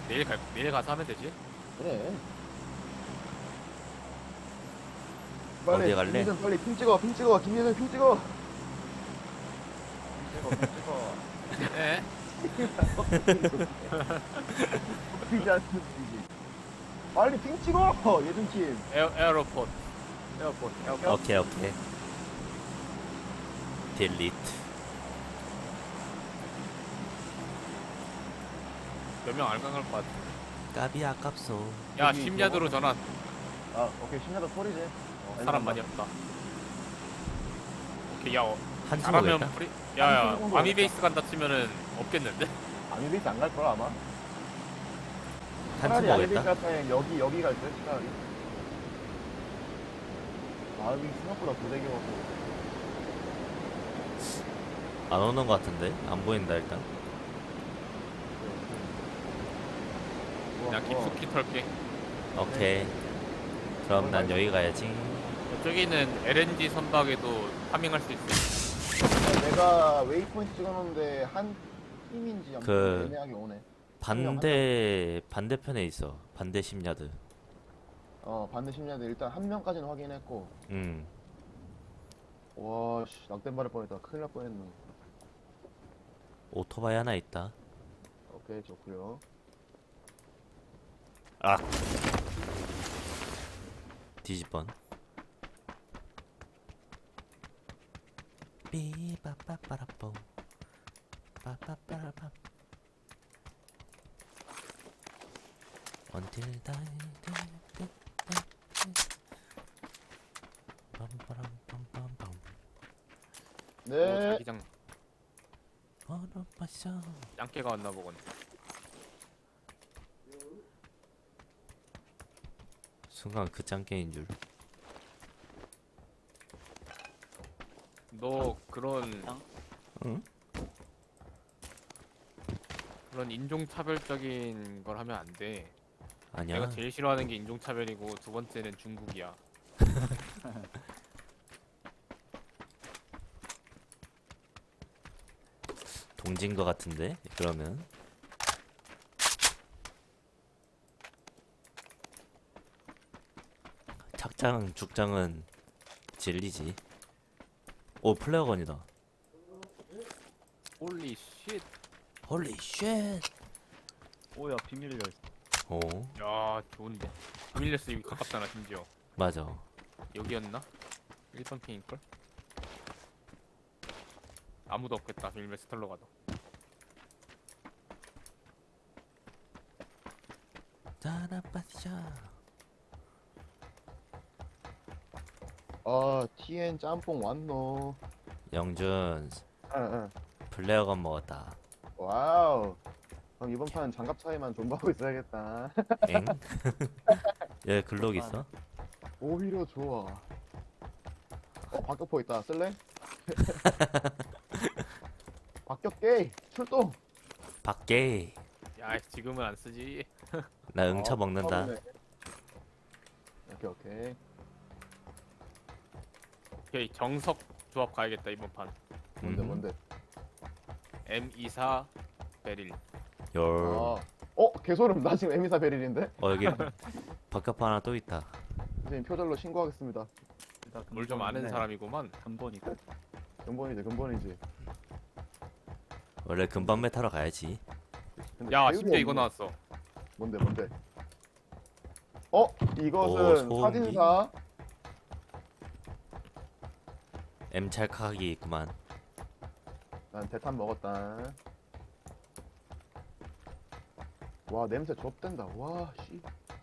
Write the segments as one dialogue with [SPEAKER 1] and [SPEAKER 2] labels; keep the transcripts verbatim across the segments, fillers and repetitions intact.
[SPEAKER 1] 내일 갈 내일 가서 하면 되지.
[SPEAKER 2] 그래.
[SPEAKER 3] 어디
[SPEAKER 2] 빨리
[SPEAKER 3] 갈래?
[SPEAKER 2] 김유준 빨리 핑 찍어 핑 찍어 김유준 핑 찍어.
[SPEAKER 4] 찍어 좀 찍어.
[SPEAKER 1] 예.
[SPEAKER 2] 핑지 않는지. 빨리 핑 찍어 예준 팀.
[SPEAKER 1] 에어 에어로포트. 에어포트. 에어포트.
[SPEAKER 3] 오케이 오케이. 딜리트.
[SPEAKER 1] 몇 명 안 갈 것 같아.
[SPEAKER 3] 까비 아깝소.
[SPEAKER 1] 야,
[SPEAKER 2] 여기
[SPEAKER 1] 심야도로 전환.
[SPEAKER 2] 아 오케이 신나다 소리지.
[SPEAKER 1] 어, 사람 많이 없다. 오케이, 야, 어,
[SPEAKER 3] 한숨
[SPEAKER 1] 잘하면
[SPEAKER 3] 오겠다.
[SPEAKER 1] 프리. 야, 야,
[SPEAKER 2] 한숨
[SPEAKER 1] 과미
[SPEAKER 2] 오겠다.
[SPEAKER 1] 베이스 간다 치면은 없겠는데?
[SPEAKER 2] 아미베이스 안 갈 거야 아마.
[SPEAKER 3] 한숨
[SPEAKER 2] 차라리 아미베이스
[SPEAKER 3] 오겠다.
[SPEAKER 2] 같으면 여기 여기 갈 듯. 차라리. 아 여기 생각보다 고데기여서.
[SPEAKER 3] 안 오는 것 같은데? 안 보인다 일단.
[SPEAKER 1] 그냥 깊숙이 털게.
[SPEAKER 3] 오케이. 그럼 난 여기 가야지.
[SPEAKER 1] 저기는 엘엔지 선박에도 파밍할 수 있어.
[SPEAKER 2] 내가 웨이포인트 찍어놓는데 한 팀인지 아무튼
[SPEAKER 3] 그-
[SPEAKER 2] 애매하게 오네.
[SPEAKER 3] 반대 반대편에 있어. 반대 심야드.
[SPEAKER 2] 어 반대 심리한데 일단 한 명까지는 확인했고.
[SPEAKER 3] 음.
[SPEAKER 2] 와씨 낙된 발을 뻔했다. 큰일 날 뻔했네.
[SPEAKER 3] 오토바이 하나 있다.
[SPEAKER 2] 오케이 좋고요.
[SPEAKER 3] 아. 뒤집번. 삐빠빠빠라뽕. 빠빠빠라밤. Until die. 빰빠람빰빰빰.
[SPEAKER 1] 오,
[SPEAKER 2] 네.
[SPEAKER 1] 자기장
[SPEAKER 3] 얼어봤어.
[SPEAKER 1] 짱깨가 왔나 보군.
[SPEAKER 3] 순간 그 짱깨인 줄.
[SPEAKER 1] 너 그런
[SPEAKER 3] 응?
[SPEAKER 1] 그런 인종차별적인 걸 하면 안 돼.
[SPEAKER 3] 아니야.
[SPEAKER 1] 내가 제일 싫어하는 게 인종차별이고 두 번째는 중국이야.
[SPEAKER 3] 동진 거 같은데? 그러면 착장 죽장은 진리지. 오 플레어건이다.
[SPEAKER 1] 홀리 쉣.
[SPEAKER 3] 홀리 쉣.
[SPEAKER 4] 오야 비밀 열쇠.
[SPEAKER 3] 오
[SPEAKER 1] 야, 좋은데. 비밀레스 여기 가깝잖아, 심지어.
[SPEAKER 3] 맞아.
[SPEAKER 1] 여기였나? 일 번 핑일걸? 아무도 없겠다, 비밀레스 털러 가도.
[SPEAKER 3] 짜라빠샤.
[SPEAKER 2] 아 티엔 짬뽕 왔노.
[SPEAKER 3] 영준
[SPEAKER 2] 응응.
[SPEAKER 3] 플레어건 먹었다.
[SPEAKER 2] 와우. 그럼 이번 판 장갑 차이만 존버하고 있어야겠다.
[SPEAKER 3] 엥? 얘 글록 있어?
[SPEAKER 2] 오히려 좋아. 어 박격포 있다. 쓸래? 박격게 출동.
[SPEAKER 3] 밖에.
[SPEAKER 1] 야, 지금은 안 쓰지.
[SPEAKER 3] 나 응쳐
[SPEAKER 2] 아,
[SPEAKER 3] 먹는다.
[SPEAKER 2] 처음이네. 오케이 오케이.
[SPEAKER 1] 오케이, 정석 조합 가야겠다, 이번 판.
[SPEAKER 2] 뭔데
[SPEAKER 3] 음.
[SPEAKER 2] 뭔데?
[SPEAKER 1] 엠 이십사 베릴.
[SPEAKER 3] 열.
[SPEAKER 2] 아. 어 개소름. 나 지금 에미사 베릴인데.
[SPEAKER 3] 어 여기 박격포 하나 또 있다.
[SPEAKER 2] 선생님 표절로 신고하겠습니다.
[SPEAKER 1] 뭘 좀 아는 사람이구만.
[SPEAKER 4] 근본이다.
[SPEAKER 2] 근본이지 근본이지.
[SPEAKER 3] 원래 금방매 타러 가야지.
[SPEAKER 2] 근데
[SPEAKER 1] 야,
[SPEAKER 2] 배율이
[SPEAKER 1] 심지어 이거
[SPEAKER 2] 없네.
[SPEAKER 1] 나왔어.
[SPEAKER 2] 뭔데 뭔데? 어
[SPEAKER 3] 오,
[SPEAKER 2] 이것은
[SPEAKER 3] 소음기?
[SPEAKER 2] 사진사.
[SPEAKER 3] M 찰칵이 있구만.
[SPEAKER 2] 난 대탄 먹었다. 와 냄새 좁된다. 와 씨.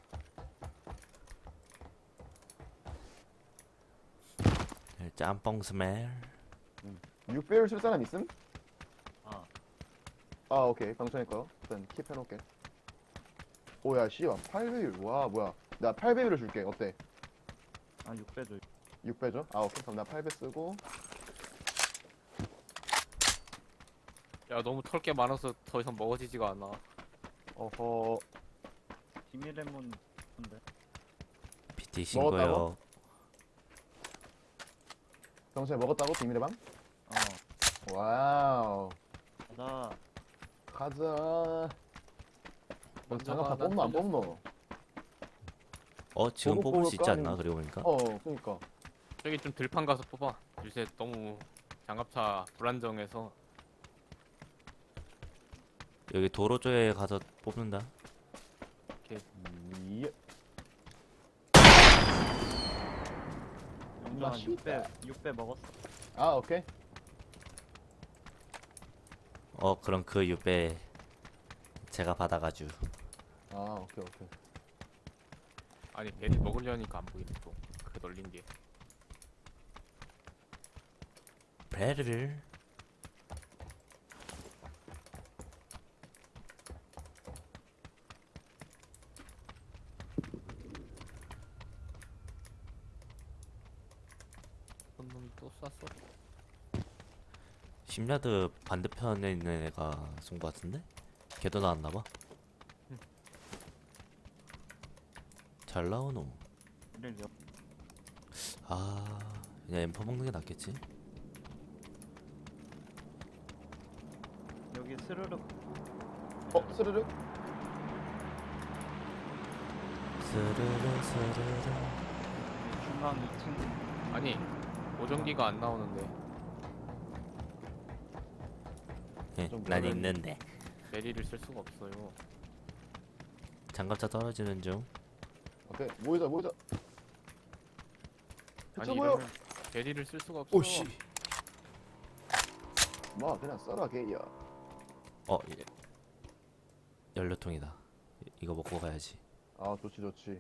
[SPEAKER 3] 짬뽕 스멜.
[SPEAKER 2] 육배율 쓸 사람 있음?
[SPEAKER 4] 아
[SPEAKER 2] 아 오케이 방청일 거 일단 킵 해놓을게. 오야 씨와 팔 배율. 와 뭐야 나 팔 배율을 줄게. 어때?
[SPEAKER 4] 아 육 배 줘.
[SPEAKER 2] 육 배죠? 아 오케이 그럼 나 팔 배 쓰고.
[SPEAKER 1] 야, 너무 털 게 많아서 더 이상 먹어지지가 않아.
[SPEAKER 2] 어허.
[SPEAKER 4] 비밀의 문 뭔데?
[SPEAKER 3] 피티 신고요.
[SPEAKER 2] 먹었다고? 평소에 먹었다고 비밀의 방?
[SPEAKER 4] 어
[SPEAKER 2] 와우.
[SPEAKER 4] 가자.
[SPEAKER 2] 가자.
[SPEAKER 1] 먼저
[SPEAKER 2] 장갑 다
[SPEAKER 1] 가, 난
[SPEAKER 2] 뽑노 안
[SPEAKER 1] 틀렸어.
[SPEAKER 2] 뽑노?
[SPEAKER 3] 어 지금
[SPEAKER 2] 보고
[SPEAKER 3] 뽑을 수 있지
[SPEAKER 2] 뽑을까?
[SPEAKER 3] 않나? 그리고 보니까
[SPEAKER 2] 어 그니까
[SPEAKER 1] 저기 좀 들판 가서 뽑아. 요새 너무 장갑차 불안정해서.
[SPEAKER 3] 여기 도로 쪽에 가서 뽑는다.
[SPEAKER 2] 이
[SPEAKER 4] 영준아
[SPEAKER 2] 맛있다.
[SPEAKER 4] 육 배 육 배 먹었어.
[SPEAKER 2] 아 오케이
[SPEAKER 3] 어 그럼 그 육배 제가 받아가지고.
[SPEAKER 2] 아 오케이 오케이
[SPEAKER 1] 아니 베리 먹으려니까 안 보이네 또. 그 널린 게.
[SPEAKER 3] 배를
[SPEAKER 1] 어떤 놈이 또 쐈어?
[SPEAKER 3] 십 야드 반대편에 있는 애가 쏜 거 같은데? 걔도 나왔나봐. 잘 나오노.
[SPEAKER 4] 우릴 여...
[SPEAKER 3] 아 그냥 엠퍼 먹는 게 낫겠지.
[SPEAKER 4] 여기 스르륵
[SPEAKER 2] 어 스르륵
[SPEAKER 3] 스르르 스르르.
[SPEAKER 4] 중앙 이 층.
[SPEAKER 1] 아니 보정기가 안 나오는데
[SPEAKER 3] 예,
[SPEAKER 2] 좀
[SPEAKER 3] 난
[SPEAKER 2] 그러네.
[SPEAKER 3] 있는데.
[SPEAKER 1] 베리를 쓸 수가 없어요.
[SPEAKER 3] 장갑차 떨어지는 중.
[SPEAKER 2] 오케이 모이자 모이자
[SPEAKER 1] 아니
[SPEAKER 2] 그쵸 뭐요
[SPEAKER 1] 이러면 베리를 쓸 수가 없어.
[SPEAKER 3] 오씨.
[SPEAKER 2] 뭐 그냥 써라 개야
[SPEAKER 3] 어 예. 연료통이다. 이- 이거 먹고 가야지.
[SPEAKER 2] 아 좋지 좋지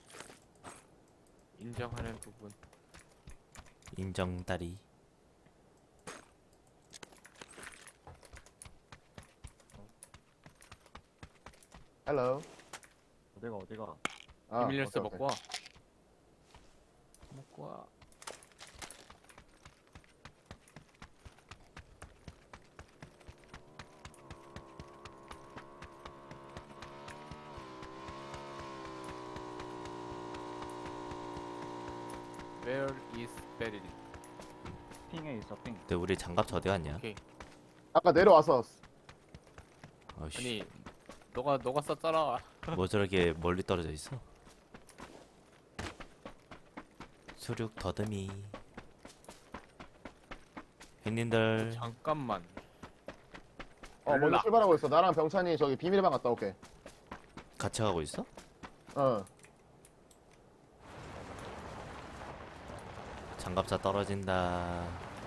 [SPEAKER 1] 인정하는 부분.
[SPEAKER 3] 인정다리.
[SPEAKER 2] 헬로
[SPEAKER 4] 어디가 어디가.
[SPEAKER 2] 아
[SPEAKER 1] 비밀 열쇠
[SPEAKER 2] 오케이,
[SPEAKER 1] 먹고 와. 먹고 와. Where is Beryl?
[SPEAKER 4] 핑에 있어 핑.
[SPEAKER 3] 근데 우리 장갑차 어디 갔냐?
[SPEAKER 1] 오케이.
[SPEAKER 2] 아까 내려와서
[SPEAKER 3] 어이씨.
[SPEAKER 1] 아니 너가 너가 썼잖아.
[SPEAKER 3] 뭐 저렇게 멀리 떨어져 있어? 수륙 더듬이. 형님들
[SPEAKER 1] 잠깐만.
[SPEAKER 2] 어 먼저
[SPEAKER 1] 몰라.
[SPEAKER 2] 출발하고 있어 나랑 병찬이 저기 비밀방 갔다 올게
[SPEAKER 3] 같이 가고 있어?
[SPEAKER 2] 어
[SPEAKER 3] 장갑차 떨어진다.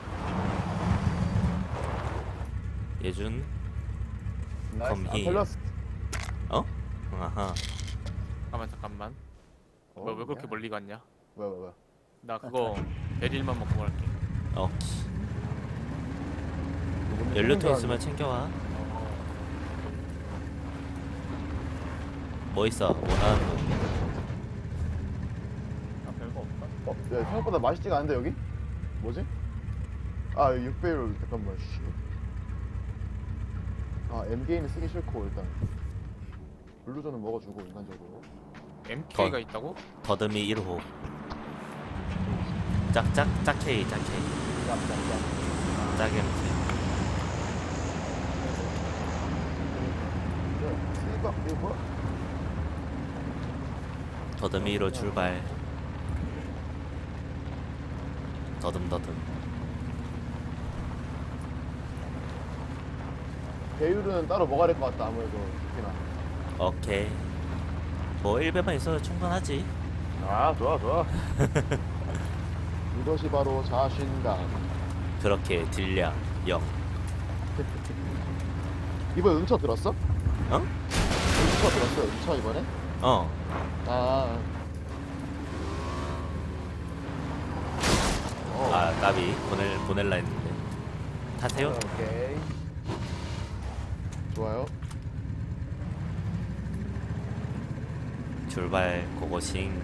[SPEAKER 3] 예준.
[SPEAKER 2] 나이스 안
[SPEAKER 3] 컴히.
[SPEAKER 2] 털렸어
[SPEAKER 3] 어? 아하.
[SPEAKER 1] 잠깐만 잠깐만.
[SPEAKER 2] 어,
[SPEAKER 1] 뭐 왜 그렇게
[SPEAKER 2] 야.
[SPEAKER 1] 멀리 갔냐?
[SPEAKER 2] 뭐야 뭐야 뭐야
[SPEAKER 1] 나 그거 베릴만 먹고 갈게.
[SPEAKER 3] 어.
[SPEAKER 2] 누군지
[SPEAKER 3] 연료통
[SPEAKER 2] 누군지
[SPEAKER 3] 있으면 챙겨와. 뭐 있어? 원하는 거.
[SPEAKER 4] 아 별거 없다.
[SPEAKER 2] 어, 야, 생각보다 맛있지가 않은데 여기? 뭐지? 아, 육 배율 잠깐만. 씨. 아, M게임은 쓰기 싫고 일단 블루존은 먹어주고 인간적으로.
[SPEAKER 1] 엠케이가 있다고?
[SPEAKER 3] 더듬이 일 호. 짝짝 짝케이 짝케이.
[SPEAKER 2] 짭짭짭.
[SPEAKER 3] 짝엠케이.
[SPEAKER 2] 쓰니까 이거 뭐야?
[SPEAKER 3] 더듬이 일 호 출발. 더듬더듬.
[SPEAKER 2] 배율은 따로 먹어야 될 것 같다 아무래도 특히나.
[SPEAKER 3] 오케이. 뭐 일 배만 있어도 충분하지.
[SPEAKER 2] 아, 좋아 좋아. 이것이 바로 자신감.
[SPEAKER 3] 그렇게 딜량 영.
[SPEAKER 2] 이번에 은처 들었어?
[SPEAKER 3] 어?
[SPEAKER 2] 은처 들었어? 은처 이번에?
[SPEAKER 3] 어.
[SPEAKER 2] 아. 어.
[SPEAKER 3] 아 나비 보낼 보낼라 했는데. 타세요.
[SPEAKER 2] 오케이. 좋아요.
[SPEAKER 3] 출발 고고싱.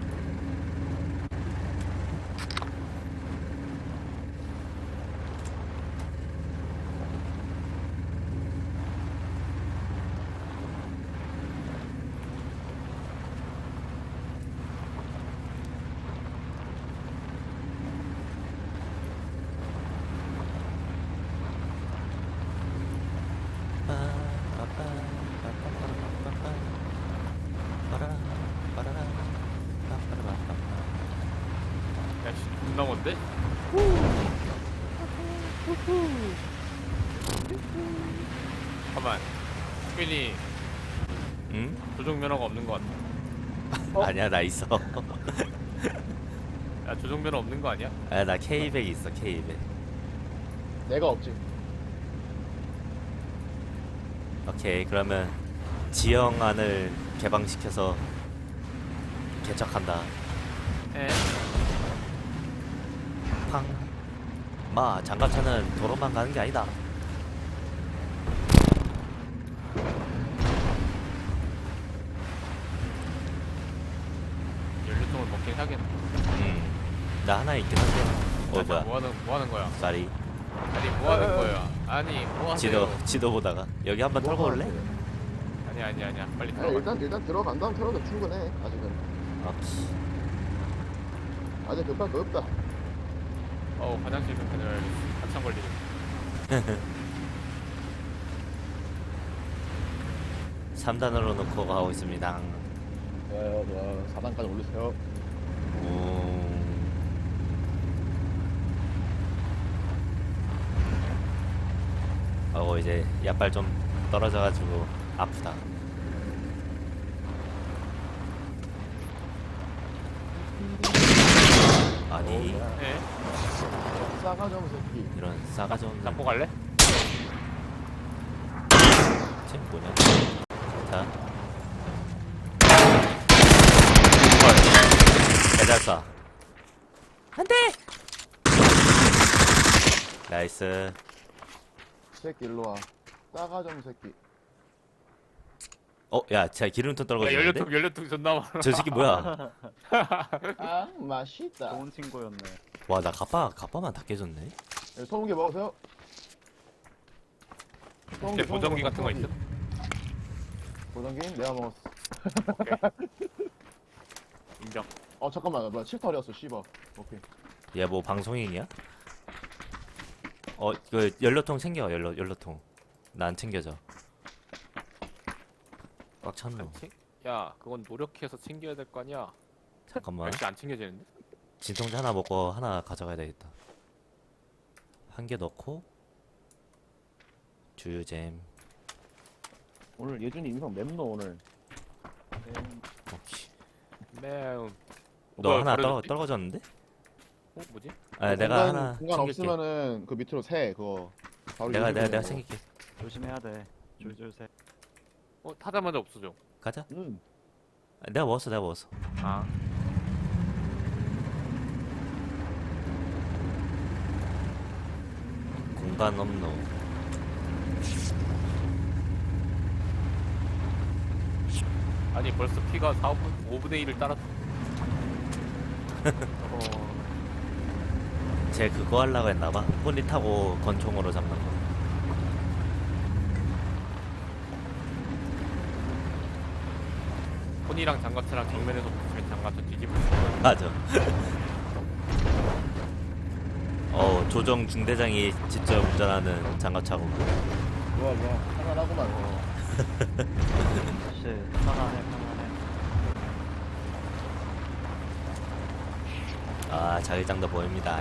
[SPEAKER 1] 존나 먼데? 잠깐만. 빈이
[SPEAKER 3] 응?
[SPEAKER 1] 조종 면허가 없는 것 같아.
[SPEAKER 2] 어?
[SPEAKER 3] 아니야 나 있어.
[SPEAKER 1] 야 조종 면허 없는 거 아니야?
[SPEAKER 3] 아 나 케이 백 있어 케이 백.
[SPEAKER 2] 내가 없지.
[SPEAKER 3] 오케이 그러면 지형안을 개방시켜서 개척한다.
[SPEAKER 1] 에.
[SPEAKER 3] 팡. 마 장갑차는 도로만 가는 게 아니다.
[SPEAKER 1] 연료통을 먹긴 하겠네.
[SPEAKER 3] 음. 나 하나 있긴 한데. 어
[SPEAKER 1] 아니야,
[SPEAKER 3] 뭐야?
[SPEAKER 1] 뭐 하는 뭐 하는 거야?
[SPEAKER 3] 쌀이.
[SPEAKER 1] 아니 뭐 하는 거야? 아니 뭐 하세요?
[SPEAKER 3] 지도 지도 보다가 여기 한번 털고 올래?
[SPEAKER 1] 아니 아니 아니야. 빨리
[SPEAKER 2] 아니,
[SPEAKER 1] 들어가.
[SPEAKER 2] 일단 일단 들어간 다음 털어도 충분해. 아직은
[SPEAKER 3] 오케이.
[SPEAKER 2] 아직 급할 거 없다.
[SPEAKER 1] 어 화장실 좀 다녀야겠어. 한참 걸리네.
[SPEAKER 3] 삼 단으로 놓고 가고 있습니다.
[SPEAKER 2] 좋아요, 좋아요. 사 단까지 올리세요.
[SPEAKER 3] 오. 어 이제 약발 좀 떨어져가지고 아프다. 아니
[SPEAKER 1] 에?
[SPEAKER 2] 싸가지 없는 새끼.
[SPEAKER 3] 이런 싸가지 없는.
[SPEAKER 1] 잡고 갈래?
[SPEAKER 3] 쟤 뭐냐? 자. 배달 쏴. 안돼. 나이스.
[SPEAKER 2] 새끼 일로 와. 싸가지 없는 새끼.
[SPEAKER 3] 어, 야, 쟤 기름통
[SPEAKER 1] 야,
[SPEAKER 3] 떨궈주는데?
[SPEAKER 1] 연료통 연료통 존나 많아.
[SPEAKER 3] 저 새끼 뭐야?
[SPEAKER 2] 아, 맛있다.
[SPEAKER 4] 좋은 친구였네.
[SPEAKER 3] 와, 나 가빠 가빠만 다 깨졌네.
[SPEAKER 2] 네, 소음기 먹으세요. 소음기,
[SPEAKER 1] 내 보정기
[SPEAKER 2] 소음기
[SPEAKER 1] 같은 거
[SPEAKER 2] 소음기.
[SPEAKER 1] 있어?
[SPEAKER 2] 보정기? 내가 먹었어.
[SPEAKER 1] 인정.
[SPEAKER 2] 어 잠깐만, 뭐야 칠털이었어, 씨발. 오케이.
[SPEAKER 3] 얘 뭐 방송인이야? 어, 그 연료통 챙겨, 연료 연료통. 나 안 챙겨져. 꽉 찼노.
[SPEAKER 1] 챙- 야 그건 노력해서 챙겨야 될 거 아니야.
[SPEAKER 3] 잠깐만.
[SPEAKER 1] 역시 안 챙겨지는데?
[SPEAKER 3] 진통제 하나 먹고 하나 가져가야 되겠다. 한 개 넣고 주유잼.
[SPEAKER 2] 오늘 예준이 인성 맵노 오늘.
[SPEAKER 3] 오케이.
[SPEAKER 1] 매운.
[SPEAKER 3] 너
[SPEAKER 1] 뭐야,
[SPEAKER 3] 하나 떨어
[SPEAKER 1] 버려졌지?
[SPEAKER 3] 떨어졌는데?
[SPEAKER 1] 어 뭐지?
[SPEAKER 3] 아,
[SPEAKER 2] 그
[SPEAKER 3] 내가
[SPEAKER 2] 공간,
[SPEAKER 3] 하나
[SPEAKER 2] 공간
[SPEAKER 3] 챙길게.
[SPEAKER 2] 없으면은 그 밑으로 새 그거. 바로
[SPEAKER 3] 내가
[SPEAKER 2] 유지
[SPEAKER 3] 내가 내가
[SPEAKER 2] 보내는 거.
[SPEAKER 3] 챙길게.
[SPEAKER 4] 조심해야 돼. 줄줄 새.
[SPEAKER 1] 어 타자마자 없어져.
[SPEAKER 3] 가자.
[SPEAKER 2] 응.
[SPEAKER 3] 아, 내가 먹었어, 내가 먹었어.
[SPEAKER 1] 아.
[SPEAKER 3] 공간 없노.
[SPEAKER 1] 아니 벌써 피가 사, 오분의 일을 따랐어.
[SPEAKER 4] 어,
[SPEAKER 3] 쟤 그거 하려고 했나봐. 혼리 타고 권총으로 잡는 거.
[SPEAKER 1] 혼이랑 장갑차랑 정면에서 붙으면 장갑차 뒤집을 수
[SPEAKER 3] 맞아. 어, 조정 중대장이 직접 운전하는 장갑차고.
[SPEAKER 2] 좋아 좋아. 편안하구만. 어.
[SPEAKER 4] 역시 편안해 편안해.
[SPEAKER 3] 아, 자기장도 보입니다.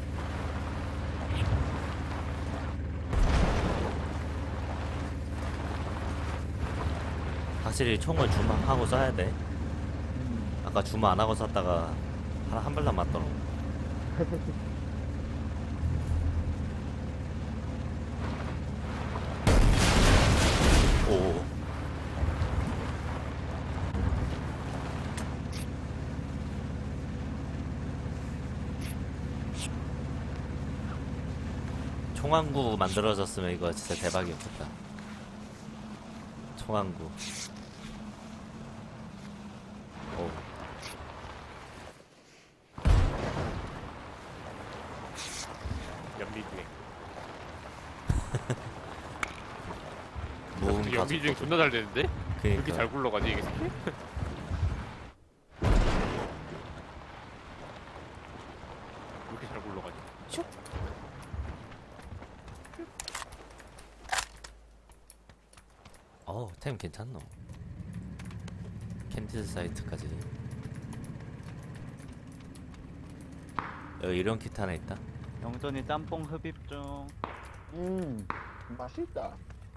[SPEAKER 3] 확실히 총은 주마 하고 쏴야 돼. 아까 주마 안 하고 쐈다가 하나 한 발만 맞더라고. 오. 총항구 만들어졌으면 이거 진짜 대박이었겠다. 총항구. 오.
[SPEAKER 1] 연비주행.
[SPEAKER 3] 무음
[SPEAKER 1] 근데
[SPEAKER 3] 가속.
[SPEAKER 1] 연비주행 존나 잘 되는데? 왜 이렇게
[SPEAKER 3] 그니까.
[SPEAKER 1] 잘 굴러가지 이게 새끼? 왜 이렇게 잘 굴러가지?
[SPEAKER 3] 어우, 템 괜찮노. 캔디드 사이트까지. 여기 이런 키트 하나 있다.
[SPEAKER 4] 영전이 짬뽕 흡입 중.
[SPEAKER 2] 음 맛있다.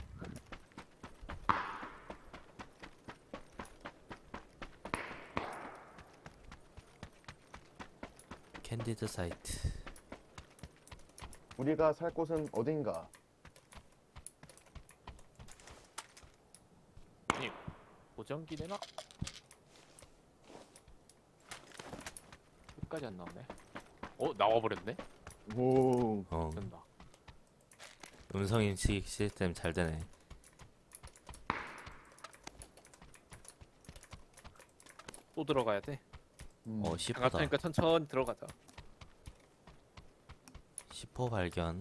[SPEAKER 3] 캔디드 사이트.
[SPEAKER 2] 우리가 살 곳은 어딘가.
[SPEAKER 1] 보정기 내놔. 끝까지 안 나오네. 어 나와버렸네.
[SPEAKER 2] 오.
[SPEAKER 3] 어.
[SPEAKER 1] 된다.
[SPEAKER 3] 음성 인식 시스템 잘 되네.
[SPEAKER 1] 또 들어가야 돼.
[SPEAKER 2] 음.
[SPEAKER 3] 어, 십호다.
[SPEAKER 1] 장갑차니까 천천히 들어가자.
[SPEAKER 3] 십호 발견.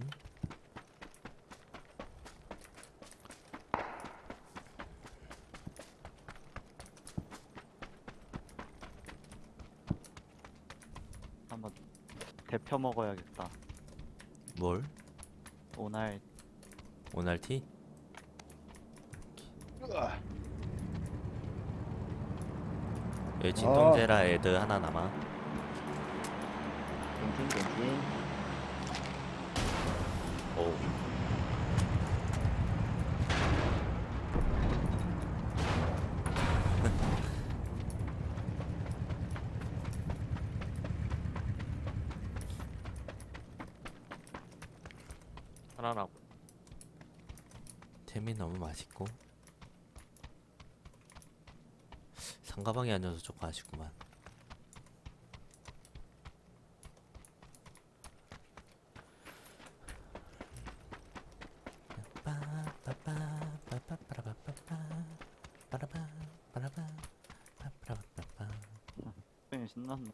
[SPEAKER 4] 한번 데펴 먹어야겠다.
[SPEAKER 3] 뭘?
[SPEAKER 4] 오날
[SPEAKER 3] 오날티?
[SPEAKER 2] 으아.
[SPEAKER 3] 여기 진통제라 애드 하나 남아.
[SPEAKER 2] 괜춘 괜춘.
[SPEAKER 3] 오.
[SPEAKER 1] 하나 남고.
[SPEAKER 3] 템이 너무 맛있고 상가방이 아니어서 조금 아쉽구만.
[SPEAKER 4] 굉장히 신났네.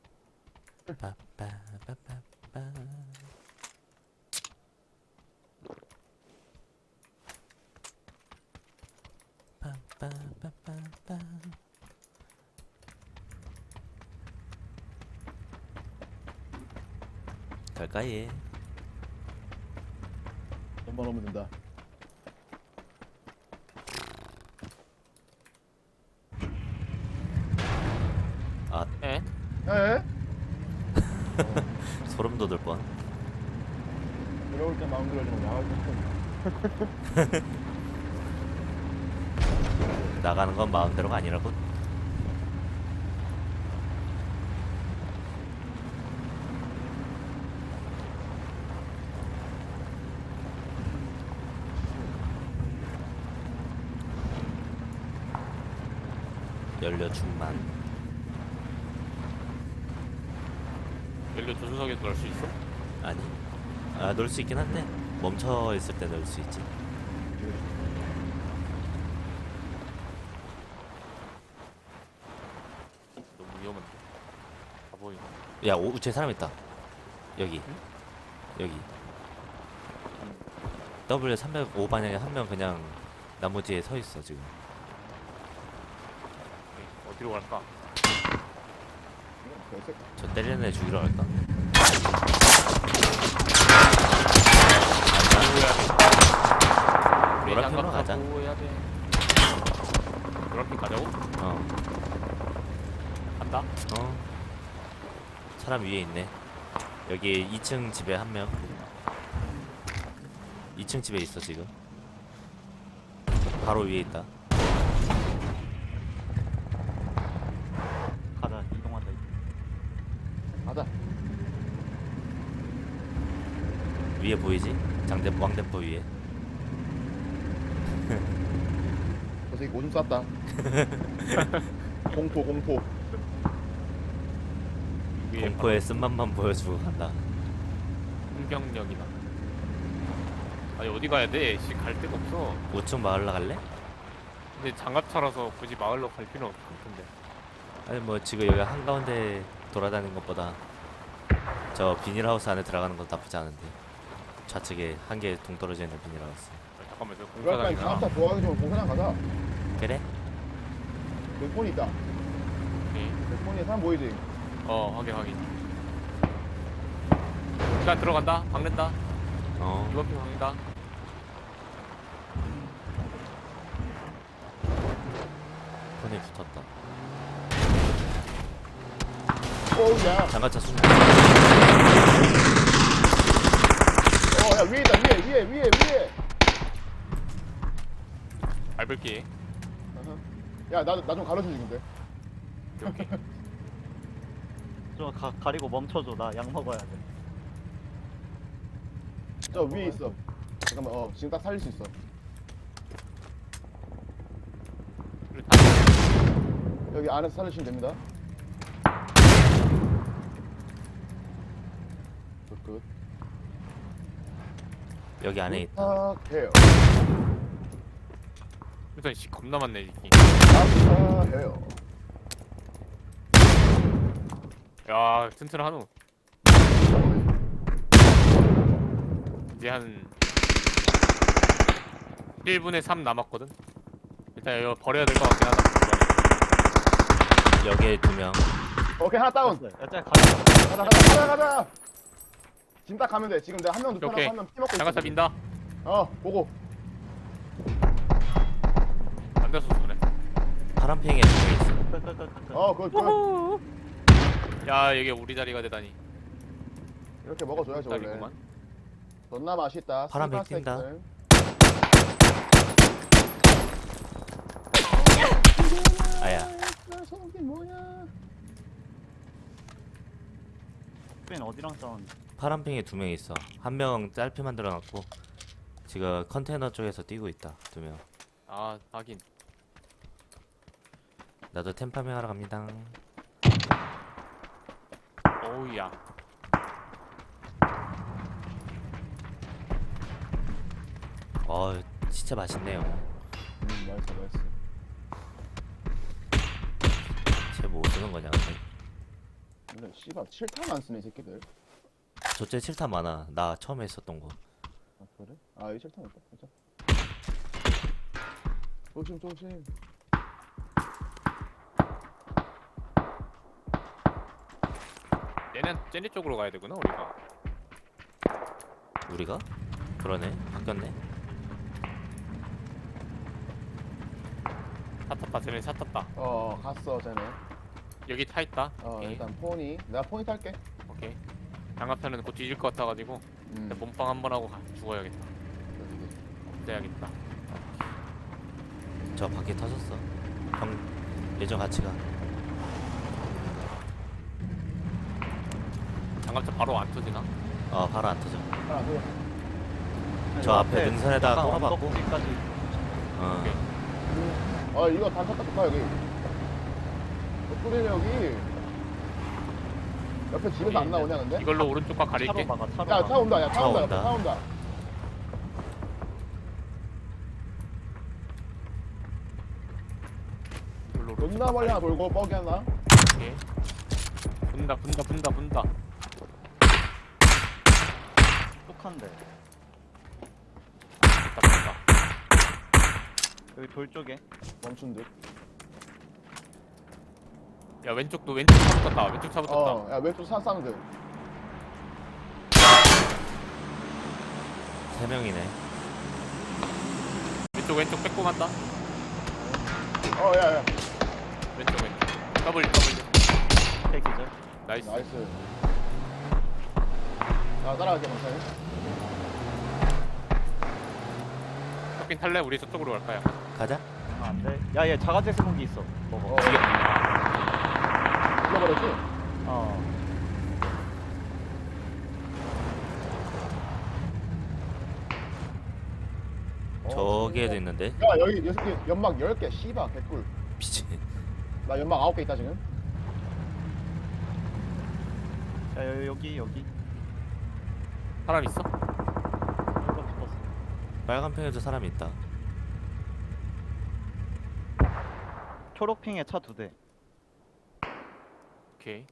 [SPEAKER 3] 갈까 얘?
[SPEAKER 2] 돈만 오면 된다.
[SPEAKER 1] 에?
[SPEAKER 2] 에?
[SPEAKER 3] 소름 돋을 뻔.
[SPEAKER 2] 들어올 때 마음대로 하지 마. 나갈 때
[SPEAKER 3] 나가는 건 마음대로가 아니라고. 연료 충만.
[SPEAKER 1] 연료 조수석에 넣을 수 있어?
[SPEAKER 3] 아니? 아, 넣을 수 있긴 한데 멈춰 있을 때 넣을 수 있지.
[SPEAKER 1] 너무 위험한데. 아 보이네.
[SPEAKER 3] 야, 오, 제 사람 있다. 여기. 여기. W 삼백오 방향에 한 명 그냥 나무 뒤에 서 있어 지금.
[SPEAKER 1] 오케이. 어디로 갈까?
[SPEAKER 2] 별색.
[SPEAKER 3] 저 때리는 애 죽이러 갈까?
[SPEAKER 1] 보호해야 돼.
[SPEAKER 3] 노란핑으로 가자.
[SPEAKER 1] 보호해야 돼. 노란핑 가자고?
[SPEAKER 3] 어.
[SPEAKER 1] 간다.
[SPEAKER 3] 어. 사람 위에 있네. 여기 이 층 집에 한 명. 이 층 집에 있어 지금. 바로 위에 있다.
[SPEAKER 4] 가자. 이동한다.
[SPEAKER 2] 가자.
[SPEAKER 3] 위에 보이지? 장대 왕대포 위에.
[SPEAKER 2] 저 새끼 오줌 쌌다. 공포 공포.
[SPEAKER 1] 위에
[SPEAKER 3] 공포의 쓴맛만 보여주고 간다.
[SPEAKER 1] 풍경역이다. 아니 어디 가야 돼? 씨 갈 데가 없어.
[SPEAKER 3] 우측 마을 나갈래?
[SPEAKER 1] 근데 장갑차라서 굳이 마을로 갈 필요는 없을 것 같은데.
[SPEAKER 3] 아니 뭐 지금 여기 한가운데 돌아다니는 것보다 저 비닐하우스 안에 들어가는 건 나쁘지 않은데. 좌측에 한 개 동떨어져 있는 비닐하우스.
[SPEAKER 1] 아, 잠깐만 저
[SPEAKER 2] 그럴 거면
[SPEAKER 1] 공사장이나.
[SPEAKER 2] 장갑차 좋아하기 좀 공사장 가자.
[SPEAKER 3] 그래?
[SPEAKER 2] 그 폰이 있다.
[SPEAKER 1] 오케이.
[SPEAKER 2] 그 폰에 사람 보이지?
[SPEAKER 1] 어 확인 확인. 시간 들어간다. 박는다.
[SPEAKER 3] 어.
[SPEAKER 1] 이번 핑 박는다.
[SPEAKER 3] 폰에 붙었다.
[SPEAKER 2] 오야.
[SPEAKER 3] 장갑차 쏜.
[SPEAKER 2] 어야 위에 있다 위에 위에 위에 위에.
[SPEAKER 1] 밟을게.
[SPEAKER 2] 야나나 좀 가려줘 지금 돼.
[SPEAKER 1] 오케이. 오케이.
[SPEAKER 4] 좀 가, 가리고 멈춰줘. 나 약 먹어야 돼.
[SPEAKER 2] 저 위에 있어. 잠깐만 어 지금 딱 살릴 수 있어.
[SPEAKER 1] 우리 다
[SPEAKER 2] 여기 안에서 살리시면 됩니다. 굿 굿.
[SPEAKER 3] 여기 안에 있다.
[SPEAKER 2] 부탁해요.
[SPEAKER 1] 일단 씨 겁나 많네 이게.
[SPEAKER 2] 부탁해요.
[SPEAKER 1] 야 튼튼하노. 이제 한 일 분의 삼 남았거든. 일단 이거 버려야 될 것 같긴 하다.
[SPEAKER 3] 여기에 두 명.
[SPEAKER 2] 오케이 하나 다운.
[SPEAKER 4] 야, 짜 가.
[SPEAKER 2] 가자 가자 가자 가자. 지금 딱 가면 돼. 지금 내가 한 명 눕혀놓고
[SPEAKER 1] 오케이.
[SPEAKER 2] 한명 피먹고 있어.
[SPEAKER 1] 장갑차 민다.
[SPEAKER 2] 어 보고.
[SPEAKER 1] 안 돼서 그래.
[SPEAKER 3] 파란팽이에 두 명 있어.
[SPEAKER 4] 끄끄끄끄.
[SPEAKER 2] 어 그걸 그걸
[SPEAKER 1] 야 이게 우리 자리가 되다니.
[SPEAKER 2] 이렇게 먹어줘야죠 원래.
[SPEAKER 1] 자리구만.
[SPEAKER 2] 존나 맛있다.
[SPEAKER 3] 파란색
[SPEAKER 2] 스파
[SPEAKER 3] 튄다.
[SPEAKER 2] 스테이크.
[SPEAKER 3] 아야.
[SPEAKER 2] 속이 뭐야?
[SPEAKER 4] 스페인 어디랑 싸웠는데?
[SPEAKER 3] 파란팽이 두 명 있어. 한 명 짧게 만들어놨고 지금 컨테이너 쪽에서 뛰고 있다. 두 명.
[SPEAKER 1] 아 하긴.
[SPEAKER 3] 나도 템파밍 하러 갑니다.
[SPEAKER 1] 어우야.
[SPEAKER 3] 어, 진짜 맛있네요.
[SPEAKER 2] 음 맛있어 맛있어.
[SPEAKER 3] 쟤 뭐 쓰는 거냐? 근데?
[SPEAKER 2] 근데 씨발 칠 탄 안 쓰네 이 새끼들.
[SPEAKER 3] 저째 칠 탄 많아. 나 처음에 했었던 거.
[SPEAKER 2] 아 그래? 아 여기 칠 탄 있다. 진짜. 조심 조심.
[SPEAKER 1] 얘네 쟤네 쪽으로 가야 되구나 우리가.
[SPEAKER 3] 우리가? 그러네. 바뀌었네.
[SPEAKER 1] 차 탔다. 쟤네 차 탔다.
[SPEAKER 2] 어 갔어 쟤네.
[SPEAKER 1] 여기 타 있다.
[SPEAKER 2] 어
[SPEAKER 1] 오케이.
[SPEAKER 2] 일단 포니. 내가 포니 탈게.
[SPEAKER 1] 오케이. 장갑차는 곧 뒤질 것 같아가지고
[SPEAKER 2] 음.
[SPEAKER 1] 일단 몸빵 한 번 하고 가, 죽어야겠다. 없애야겠다.
[SPEAKER 3] 저 바퀴 터졌어. 형, 예전 같이 가.
[SPEAKER 1] 장갑차 바로 안 터지나?
[SPEAKER 3] 어, 바로 안 터져.
[SPEAKER 2] 하나 둘.
[SPEAKER 3] 저 앞에 능선에다가
[SPEAKER 4] 약간
[SPEAKER 3] 꼬라박고.
[SPEAKER 4] 언덕지까지.
[SPEAKER 3] 어,
[SPEAKER 1] 오케이.
[SPEAKER 2] 아 이거 단차 딱 좋다 여기. 덕분에 여기. 옆에 집에서 안 나오냐 근데?
[SPEAKER 1] 이걸로 오른쪽 과
[SPEAKER 4] 차로
[SPEAKER 1] 가릴게.
[SPEAKER 4] 막아. 차로
[SPEAKER 2] 야
[SPEAKER 4] 막아.
[SPEAKER 2] 차 온다. 야 차
[SPEAKER 3] 차
[SPEAKER 2] 온다.
[SPEAKER 3] 온다.
[SPEAKER 2] 차 온다.
[SPEAKER 1] 이걸로 오른쪽
[SPEAKER 2] 존나 멀리 하나 돌고 뻐기 하나.
[SPEAKER 1] 오케이. 분다 분다 분다 분다.
[SPEAKER 4] 뚝한데.
[SPEAKER 1] 분다 분다.
[SPEAKER 4] 여기 돌 쪽에.
[SPEAKER 2] 멈춘 듯.
[SPEAKER 1] 야 왼쪽도 왼쪽 차 붙었다. 왼쪽 차 붙었다.
[SPEAKER 2] 어, 야 왼쪽 사 사운드.
[SPEAKER 3] 세 명이네.
[SPEAKER 1] 왼쪽 왼쪽 빼고 간다.
[SPEAKER 2] 어, 야, 야.
[SPEAKER 1] 왼쪽 왼쪽. 더블 더블.
[SPEAKER 4] 대기절.
[SPEAKER 1] 나이스.
[SPEAKER 2] 나이스. 나 따라갈게, 괜찮아.
[SPEAKER 1] 섞인 탈래? 우리 저쪽으로 갈까요?
[SPEAKER 3] 가자.
[SPEAKER 4] 아, 안 돼. 야, 얘 자가제 소고기 있어. 먹어.
[SPEAKER 2] 어, 죽여버렸지?
[SPEAKER 4] 어.
[SPEAKER 2] 어,
[SPEAKER 3] 저기에도 있는데.
[SPEAKER 2] 야, 여기 여섯 개, 연막 열 개, 씨바, 개꿀.
[SPEAKER 3] 미친.
[SPEAKER 2] 나 연막 아홉 개 있다, 지금.
[SPEAKER 4] 야, 여- 여기 여기.
[SPEAKER 1] 사람 있어?
[SPEAKER 4] 이거 붙었어.
[SPEAKER 3] 빨간 팽에도 사람이 있다.
[SPEAKER 4] 초록핑에 차 두 대.
[SPEAKER 1] 오케이.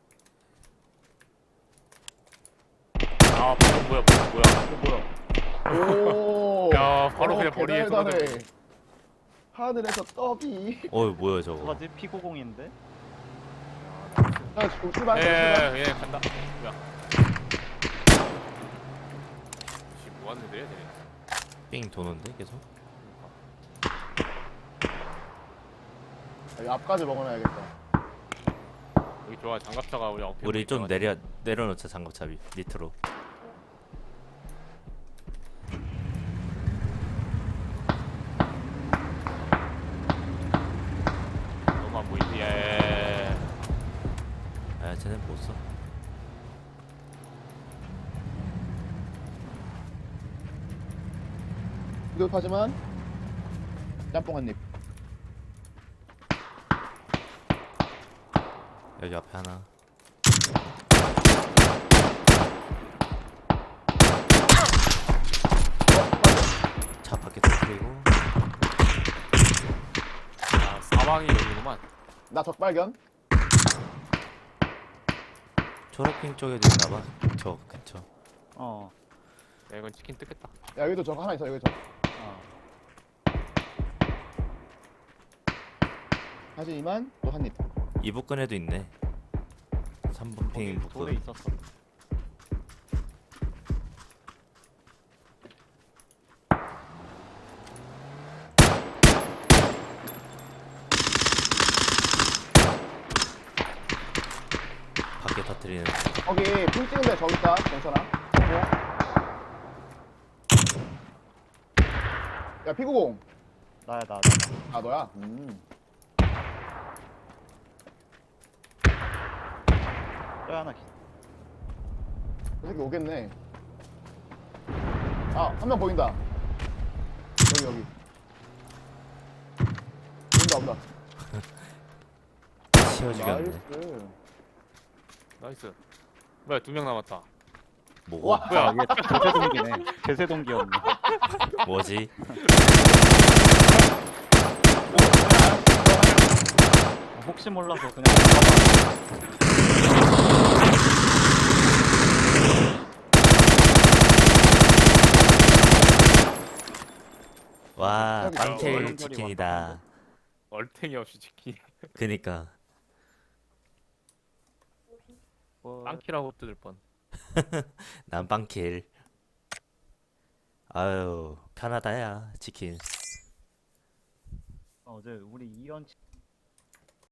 [SPEAKER 1] 아 바로 뭐야 뭐야 뭐야.
[SPEAKER 2] 이거 뭐야? 오.
[SPEAKER 1] 야, 바로
[SPEAKER 2] 어,
[SPEAKER 1] 그냥 머리에
[SPEAKER 2] 대단해.
[SPEAKER 1] 떨어져.
[SPEAKER 2] 하늘에서 떡이.
[SPEAKER 3] 어이 뭐야 저거.
[SPEAKER 4] 뭐가지? 피구공인데?
[SPEAKER 2] 자, 지금 출발. 출발.
[SPEAKER 1] 예예 예, 간다. 뭐야? 씨 뭐하는 애들이야 쟤네.
[SPEAKER 3] 삥 도는데 계속.
[SPEAKER 2] 여기 앞까지 먹어놔야겠다.
[SPEAKER 1] 여기 좋아. 장갑차가 우리 어깨.
[SPEAKER 3] 우리 좀 내려 내려놓자 장갑차 밑- 밑으로.
[SPEAKER 1] 너무 안 보이지. 예.
[SPEAKER 3] 아 쟤네 못 써.
[SPEAKER 2] 비겁하지만 짬뽕 한 입.
[SPEAKER 3] 여기 앞에 하나. 차 밖에 터뜨리고.
[SPEAKER 1] 아, 사방이 여기구만.
[SPEAKER 2] 나 적발견.
[SPEAKER 3] 초록핑 쪽에도 있나봐. 저 근처.
[SPEAKER 4] 어.
[SPEAKER 1] 야, 이건 치킨 뜯겠다.
[SPEAKER 2] 야 여기도 적 하나 있어. 여기 적.
[SPEAKER 4] 어.
[SPEAKER 2] 하지만 또 한 입.
[SPEAKER 3] 이북근에도 있네. 삼 번
[SPEAKER 4] 거기
[SPEAKER 3] 핑
[SPEAKER 4] 돌에
[SPEAKER 3] 북근.
[SPEAKER 4] 있었어.
[SPEAKER 3] 밖에 터뜨리는.
[SPEAKER 2] 거기 핑 찍은데 저기 있다. 괜찮아. 야 피구공.
[SPEAKER 4] 나야 나 나. 나.
[SPEAKER 2] 아 너야? 음.
[SPEAKER 4] 또 하나 있어.
[SPEAKER 2] 이 새끼 오겠네. 아 한 명 보인다. 여기 여기. 온다 온다.
[SPEAKER 3] 치워주겠네.
[SPEAKER 2] 나이스.
[SPEAKER 1] 나이스. 뭐야, 두 명 남았다.
[SPEAKER 3] 뭐고?
[SPEAKER 2] 와.
[SPEAKER 1] 뭐야?
[SPEAKER 4] 이게 개세동기네. 개세동기였네.
[SPEAKER 3] 뭐지?
[SPEAKER 4] 혹시 몰라서 그냥.
[SPEAKER 3] 와
[SPEAKER 2] 여기
[SPEAKER 3] 빵킬
[SPEAKER 4] 얼음결이
[SPEAKER 3] 치킨이다.
[SPEAKER 1] 얼탱이 없이 치킨.
[SPEAKER 3] 그니까
[SPEAKER 4] 뭐...
[SPEAKER 1] 빵키라고 뜯을 뻔.
[SPEAKER 3] 난 빵킬. 아유 편하다야 치킨.
[SPEAKER 4] 어제 우리 이연